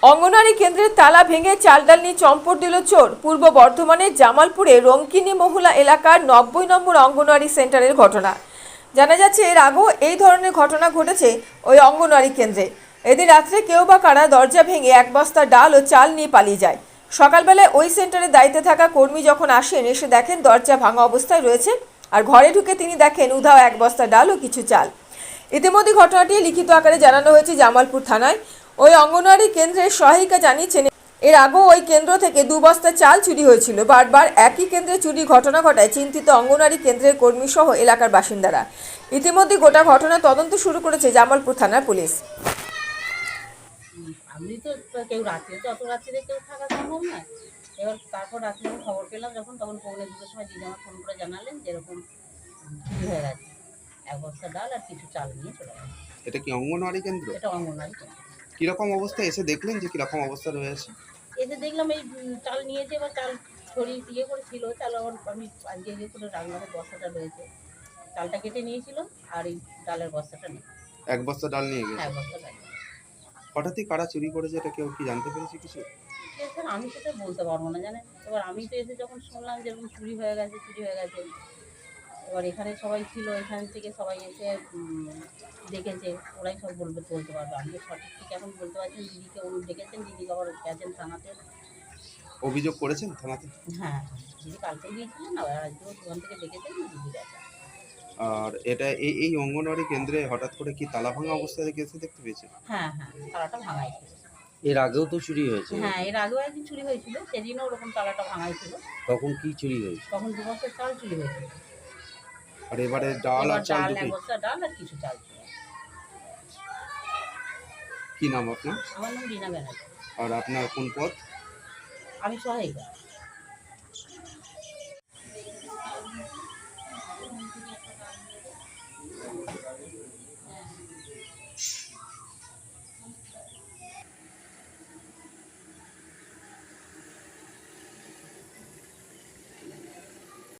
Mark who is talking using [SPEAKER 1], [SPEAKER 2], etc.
[SPEAKER 1] অঙ্গনওয়াড়ি কেন্দ্রের তালা ভেঙে চাল ডাল নিয়ে চম্পট দিল চোর। পূর্ব বর্ধমানের জামালপুরে রঙ্কিনী মহুলা এলাকার 90 নম্বর অঙ্গনওয়াড়ি সেন্টারের ঘটনা। জানা যাচ্ছে এর আগেও এই ধরনের ঘটনা ঘটেছে ওই অঙ্গনওয়াড়ি কেন্দ্রে। এদিন রাত্রে কেউ বা কারা দরজা ভেঙে এক বস্তা ডাল ও চাল নিয়ে পালিয়ে যায়। সকালবেলায় ওই সেন্টারে দায়িত্বে থাকা কর্মী যখন আসেন, এসে দেখেন দরজা ভাঙা অবস্থায় রয়েছে, আর ঘরে ঢুকে তিনি দেখেন উধাও এক বস্তা ডাল ও কিছু চাল। ইতিমধ্যে ঘটনাটি লিখিত আকারে জানানো হয়েছে জামালপুর থানায়। ওই অঙ্গনওয়াড়ি কেন্দ্রের সহায়িকা জানিয়েছেন, এর আগেও ওই কেন্দ্র থেকে 2 বস্তা চাল চুরি হয়েছিল। বারবার একই কেন্দ্রে চুরির ঘটনা ঘটায় চিন্তিত অঙ্গনওয়াড়ি কেন্দ্রের কর্মী সহ এলাকার বাসিন্দারা। ইতিমধ্যে গোটা ঘটনা তদন্ত শুরু করেছে জামালপুর থানার পুলিশ।
[SPEAKER 2] আমি তো কেউ রাত্রে তো অত রাত্রে কেউ থাকা সম্ভব না। এবার তারপর রাত্রে আমি খবর পেলাম যখন, তখন 2:45 সময় দিদি আমার ফোন করে জানালেন যে এরকম চুরি হয়ে গেছে, এক বস্তা ডাল আর কিছু চাল নিয়ে চলে গেছে।
[SPEAKER 3] এটা কি অঙ্গনওয়াড়ি কেন্দ্র?
[SPEAKER 2] এটা অঙ্গনওয়াড়ি কেন্দ্র।
[SPEAKER 3] কিরকম অবস্থা এসে দেখলেন যে কিরকম অবস্থা রয়েছে?
[SPEAKER 2] এসে দেখলাম এই চাল নিয়েছে, এবার চাল ছড়িয়ে দিয়ে করেছিল চাল। আবার আমি আজকে যে করে রান্নার বস্তাটা রয়েছে, চালটা কেটে নিয়েছিল আর এই ডালের বস্তাটা নেই।
[SPEAKER 3] এক বস্তা ডাল নিয়ে গেছে।
[SPEAKER 2] এক বস্তা ডাল।
[SPEAKER 3] হঠাৎই কারা চুরি করেছে এটা কেউ কি জানতে পেরেছে কিছু?
[SPEAKER 2] স্যার আমি সেটা বলতে পারবো না, জানেন। এবার আমি তো এসে যখন শুনলাম যে এরকম চুরি হয়ে গেছে, এবার এখানে সবাই ছিল, এখান থেকে সবাই এসে দেখেছে, ওরাই সব বলতে পারবে। আমি তো সঠিক ঠিক এখন বলতে পারছি না। দিদিকে উনি ডেকেছেন, দিদিকে আবার গেছেন থানাতে।
[SPEAKER 3] অভিযোগ করেছেন থানাতে?
[SPEAKER 2] হ্যাঁ, দিদি কালকে গিয়েছিলেন না, আর আজকেও ওখান থেকে ডেকেছেন, দিদি গেছে।
[SPEAKER 3] আর এটা এই অঙ্গনওয়াড়ি কেন্দ্রে হঠাৎ করে কি তালা ভাঙা অবস্থায় এসে দেখতে পেয়েছে?
[SPEAKER 2] হ্যাঁ, তালাটা ভাঙাই ছিল।
[SPEAKER 4] এর আগেও তো চুরি হয়েছে।
[SPEAKER 2] হ্যাঁ, এর আগেও একদিন চুরি হয়েছিল, সেদিনও ওরকম তালাটা ভাঙাই ছিল।
[SPEAKER 4] তখন কি চুরি হয়েছে?
[SPEAKER 2] তখন 2 বস্তা চাল চুরি হয়েছিল।
[SPEAKER 3] আর এবারে ডাল আর চাল
[SPEAKER 2] এক
[SPEAKER 3] দুটোই?
[SPEAKER 2] বস্তা ডাল আর কিছু চাল ছিল।
[SPEAKER 3] কি নাম আপনার?
[SPEAKER 2] আমার নাম রীনা ব্যানার্জি।
[SPEAKER 3] আর আপনার কোন পদ?
[SPEAKER 2] আমি সহায়িকা।